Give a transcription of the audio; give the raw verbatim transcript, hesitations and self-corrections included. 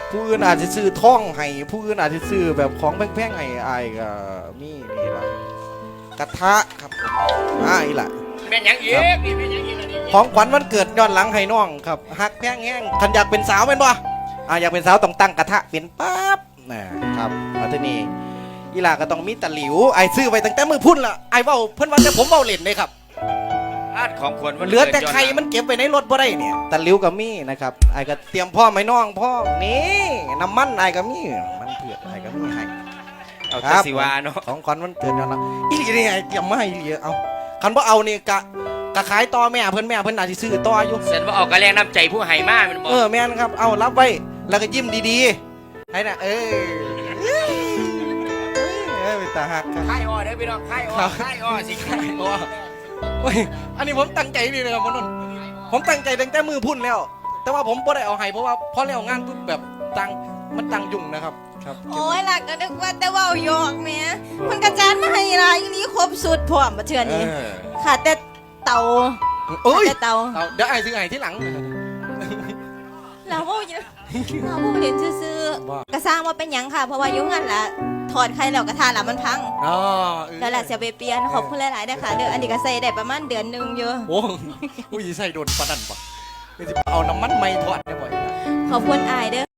ผู้อื่นอาจจะซื้อท่องให้ผู้อื่นอาจจะซื้อแบบของแพงๆให้อายก็มีนี่ละกระทะครับอ่าอีหละแม่นยังอีกนี่แม่นยังอีกนี่ของขวัญวันเกิดย้อนหลังให้น้องครับฮักแพงแห้งคันอยากเป็นสาวเป็นบ่อ่าอยากเป็นสาวต้องตั้งกระทะเป็นปั๊บนะครับมาที่นี่อีหล่าก็ต้องมีตะหลิวไอ้ซื้อไปตั้งแต่มือพุ่นละไอ้เว้าเพิ่นว่าแต่ผมเว้าเล่นเลยครับอาดของควรเหลือแต่ไข่มันเก็บไว้ในรถบ่ได้เนี่ยตะหลิวก็มีนะครับไอ้ก็เตรียมพ่อไม่น้องพ่อนี่น้ำมันไอ้ก็มีมันเผือกไอ้ก็มีให้เอาครัแต่บสิวาเนาะของขวัญวันเกิดย้อนหลังอีหลีนี่ไอ้เตรียมมาให้อีหลีเอาคันบ่เอานี่กะกะขายต่อแม่เพิ่นแม่เพิ่นอาจสิซื้อต่ออยู่เสร็จว่าออกกระแรงน้ำใจผู้ให้มามันบอกเออแม่นครับเอารับไว้แล้วก็ยิ้มดีๆให้น่ะเออเอ้ยเอ้ยเป็นตาหักครับค่ายอ้อเด้อพี่น้องค่ายอ้อค่ายอ้อสิค่ายอ้อโอ้ยอันนี้ผมตั้งใจนี่เลยครับมนนท์ผมตั้งใจตั้งแต่มือพุ่นแล้ว แต่ว่าผมบ่ได้เอาให้เพราะว่าพอแล้วงานปุ๊บแบบตังมันตังยุ่งนะครับครับโอ้ยหลักก็นึกว่าแต่ว่าหยอกแหม่มันกระจานมาให้ลายนี้ครบสุดพร้อมมาเทื่อนี้เออขาดแต่เตาเอ้ยขาดแต่เตาเอาเดี๋ยวไอ้ซื้อไอ้ที่หลังเราบ่อยู่เราบ่เห็นซื่อว่าๆกระสร้างว่าเป็นหยังค่ะ เพราะว่าอยุ่งงั้นล่ะถอดไข่แล้วกระทาละมันพังอ๋อเออแล้วล่ะเสียไปเปลี่ยนขอบคุณหลายๆนะคะเด้ออันนี้ก็ใส่ได้ประมาณเดือนหนึงอยู่โอ้ยใส่โดนปะนันปะเอาน้ำมันไม่ทอดได้บ่อยนะขอบคุณอายเด้อ